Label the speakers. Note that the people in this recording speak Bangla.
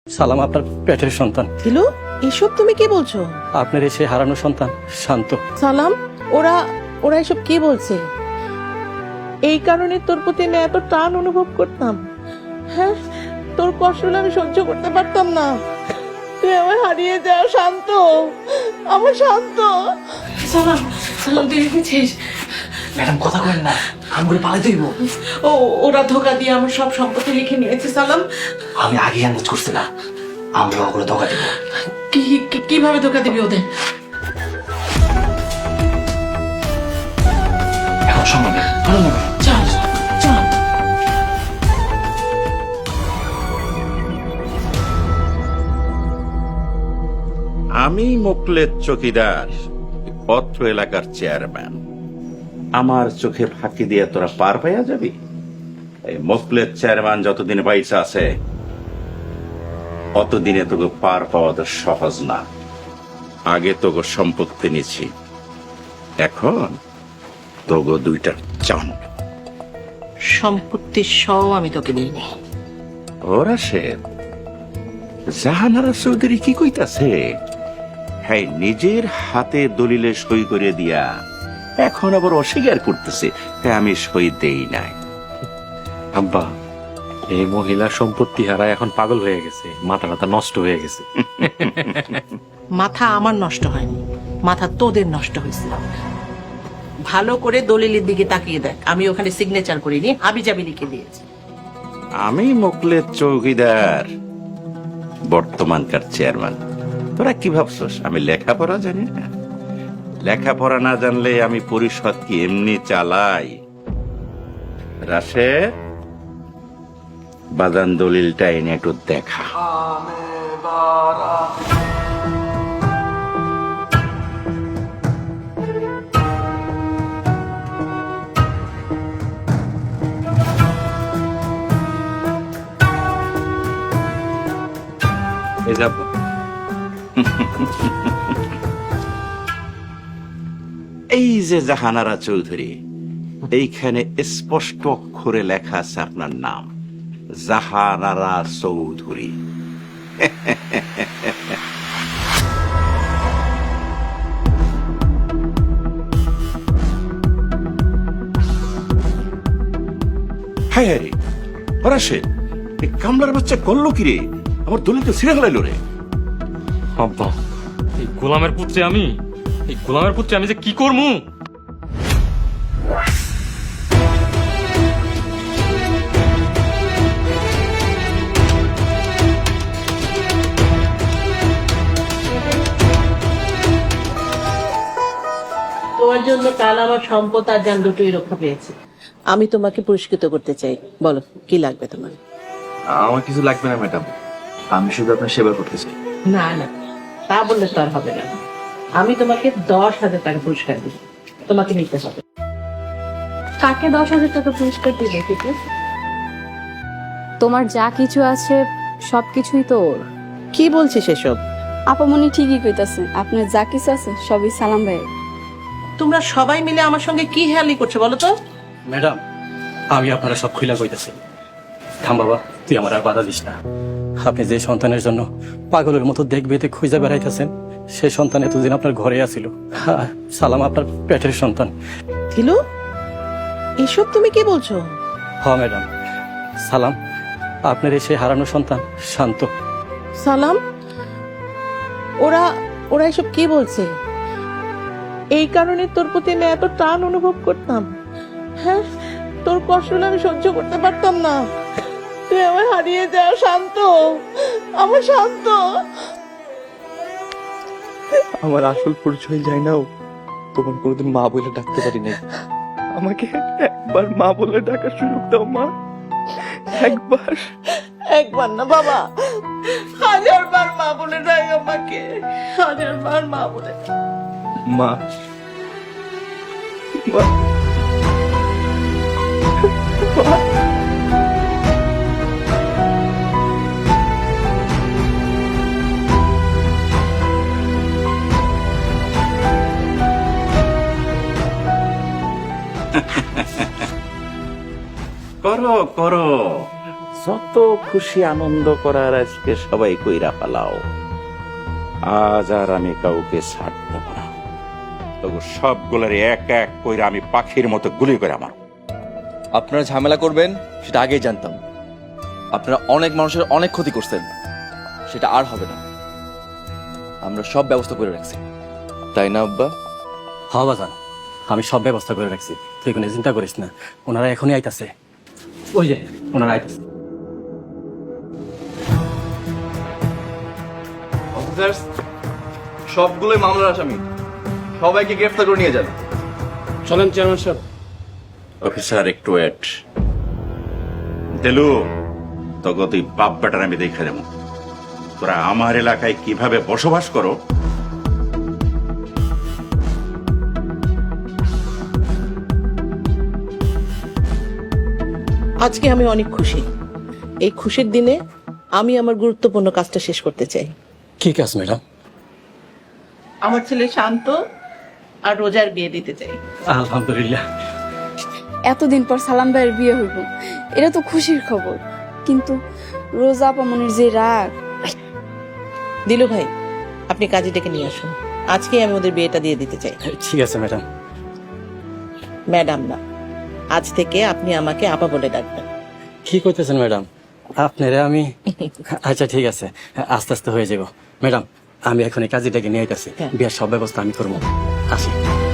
Speaker 1: সালাম আপনার পেটের সন্তান।
Speaker 2: দিলু, এসব তুমি কি বলছো?
Speaker 1: আপনার এসে হারানো সন্তান শান্ত।
Speaker 2: সালাম, ওরা ওরা এসব কি বলছে? এই কারণে তোর প্রতি আমি এত টান অনুভব করতাম। হ্যাঁ, তোর কষ্টগুলো আমি সহ্য করতে পারতাম না। তুই আমার হারিয়ে যা শান্ত, আমার শান্ত। সালাম, সালাম, তুই এসেছিস?
Speaker 3: ম্যাডাম কথা কইন না, আমগুলো পালাই দইব।
Speaker 2: ওরা ধোকা দিয়ে আমার সব সম্পত্তি লিখে নিয়েছে সালাম।
Speaker 3: আমি আগে আন্দাজ করছি না, আমরা ওগুলো ধোকা দিব।
Speaker 2: কিভাবে ধোকা দিবি ওদের?
Speaker 3: এখন সম্ভব না, চলো না।
Speaker 2: চল চল।
Speaker 4: আমি মোকলেদ চকিদার, অত্র এলাকার চেয়ারম্যান। আমার চোখে ফাঁকি দিয়ে তোরা পার পাইয়া যাবি? এই মোকলেদ চেয়ারম্যান যতদিন বাইসা আছে অতদিনে তোকে পার পাওয়া তো সহজ না। আগে তোকে সম্পত্তি নিছি, এখন তোকে দুইটা চান।
Speaker 2: সম্পত্তির সহ আমি তোকে দিইনি।
Speaker 4: ওরা সে জাহানারা চৌধুরী কি কইতাছে? হ্যাঁ, নিজের হাতে দলিলে সই করে দিয়া এখন আবার অস্বীকার করতেছে হ্যাঁ আমি সই দেই নাই।
Speaker 5: আব্বা, এই মহিলা সম্পত্তি হারা এখন পাগল হয়ে গেছে, মাথা নষ্ট হয়ে গেছে।
Speaker 2: মাথা আমার নষ্ট হয়নি, মাথা তোদের নষ্ট হয়েছে। ভালো করে দলিলের দিকে তাকিয়ে দেখ, আমি ওখানে সিগনেচার করিনি, হাবিজাবি লিখে দিয়েছি।
Speaker 4: আমি মোকলেদ চৌকিদার, বর্তমানকার চেয়ারম্যান। তোরা কি ভাবছস আমি লেখাপড়া জানি না? লেখাপড়া না জানলে আমি পরিষদ কি এমনি চালাই? রাশেদ, বাদান দলিলটা এনে একটু দেখা।
Speaker 5: এই যে আব্বা,
Speaker 4: এই যে জাহানারা চৌধুরী, এইখানে স্পষ্ট অক্ষরে লেখা আছে আপনার নাম, জাহানারা চৌধুরী। হায় হায় রে, ফরাসে এই কামলার বাচ্চা করলো কি রে? আমার দলিল তো ছিঁড়ে ফেলাইলো রে।
Speaker 5: আব্বা, এই গোলামের পুত্রে আমি, এই গোলামের পুত্রে আমি যে কি করবো?
Speaker 2: তোমার জন্য কাল আমার সম্পদ আর যান দুটোই রক্ষা পেয়েছে। আমি তোমাকে পুরস্কৃত করতে চাই। বলো কি লাগবে তোমার?
Speaker 3: আমার কিছু লাগবে না ম্যাডাম, আমি শুধু আপনার সেবা করতে চাই।
Speaker 2: না না, তা বললে তো আর হবে না। আমি তোমাকে 10,000 টাকা পুরস্কার দিব, তোমাকে নিতে হবে।
Speaker 6: কাকে 10,000 টাকা পুরস্কার দিবে? কিন্তু তোমার যা কিছু আছে সবকিছুই তো ওর।
Speaker 2: কি বলছিস এসব?
Speaker 6: আপামনি ঠিকই কইতাছে, আপনার যা কিছু আছে সবই সালাম ভাই।
Speaker 2: তোমরা সবাই মিলে আমার সঙ্গে কি হেয়ালি করছো বলো তো?
Speaker 1: ম্যাডাম, আমি আপনারা সব খুইলা কইতাছি। থাম বাবা, তুই আমার আর বাধা দিস না। আপনি যে সন্তানের জন্য পাগলের মতো দেখবে খুঁজে বেড়াইতেছেন, সেই সন্তান এতদিন আপনার ঘরে আসিল। সালাম আপনার পেটের সন্তান।
Speaker 2: দিলু, এসব তুমি কি বলছো?
Speaker 1: হ ম্যাডাম, সালাম আপনার এসে হারানো সন্তান শান্ত।
Speaker 2: সালাম, ওরা ওরা এসব কি বলছে? এই কারণে তোর প্রতি আমি এত টান অনুভব করতাম। হ্যাঁ, তোর কষ্টগুলো আমি সহ্য করতে পারতাম না। তুই আমার হারিয়ে যা শান্ত, আমার শান্ত।
Speaker 7: আমার আসল পরিচয় যাই নাও, তোমার কোনোদিন মা বলে ডাকতে পারি নাই। আমাকে একবার মা বলে ডাকার সুযোগ দাও মা, একবার।
Speaker 2: একবার না বাবা, 1000 বার মা বলে ডাক আমাকে, 1000 বার মা বলে ডাক।
Speaker 7: মা, মা, মা।
Speaker 4: করো করো, যত খুশি আনন্দ করার আজকে সবাই কইরা পালাও। আজ আর আমি কাউকে ছাড় দেব না। তবু সবগুলোর এক এক কইরা আমি পাখির মতো গুলি করে আমার।
Speaker 7: আপনারা ঝামেলা করবেন সেটা আগেই জানতাম। আপনারা অনেক মানুষের অনেক ক্ষতি করছেন, সেটা আর হবে না। আমরা সব ব্যবস্থা করে রাখছি, তাই না আব্বা?
Speaker 1: হ্যাঁ বাজান, আমি সব ব্যবস্থা করে রাখছি, তুই কোনো চিন্তা করিস না। ওনারা এখনই আইতাছে, ওই যে ওনারা আইতাছে।
Speaker 7: অফিসার্স, সবগুলোই মামলার আসামি, সবাইকে গ্রেফতার করে নিয়ে যান।
Speaker 5: চলেন চেয়ারম্যান সাহেব।
Speaker 4: অফিসার একটু ওয়েট। দেলু, তোকে তুই বাপ বেটার আমি দেখে দেব। তোরা আমার এলাকায় কিভাবে বসবাস করো।
Speaker 2: আজকে আমি অনেক খুশি। এই খুশির দিনে আমি আমার গুরুত্বপূর্ণ কাজটা শেষ করতে চাই।
Speaker 1: কি কাজ ম্যাডাম?
Speaker 2: আমার ছেলে শান্ত আর রোজার বিয়ে দিতে চাই।
Speaker 1: আলহামদুলিল্লাহ।
Speaker 6: এতদিন পর সালাম ভাইয়ের বিয়ে হইব, এটা তো খুশির খবর। কিন্তু রোজা আপামনির যে রাগ।
Speaker 2: দিলু ভাই, আপনি কাজে ডেকে নিয়ে আসুন। আজকে আমি ওদের বিয়েটা দিয়ে দিতে চাই।
Speaker 1: ঠিক আছে ম্যাডাম।
Speaker 2: ম্যাডাম না, আজ থেকে আপনি আমাকে আপা বলে ডাকবেন।
Speaker 1: কি করতেছেন ম্যাডাম? আপনারা আমি আচ্ছা ঠিক আছে, আস্তে আস্তে হয়ে যাব ম্যাডাম। আমি এখন এই কাজে ডেকে নিয়ে আইতাছি,
Speaker 2: হ্যাঁ।
Speaker 1: বিয়ার সব ব্যবস্থা আমি করবো। আসি।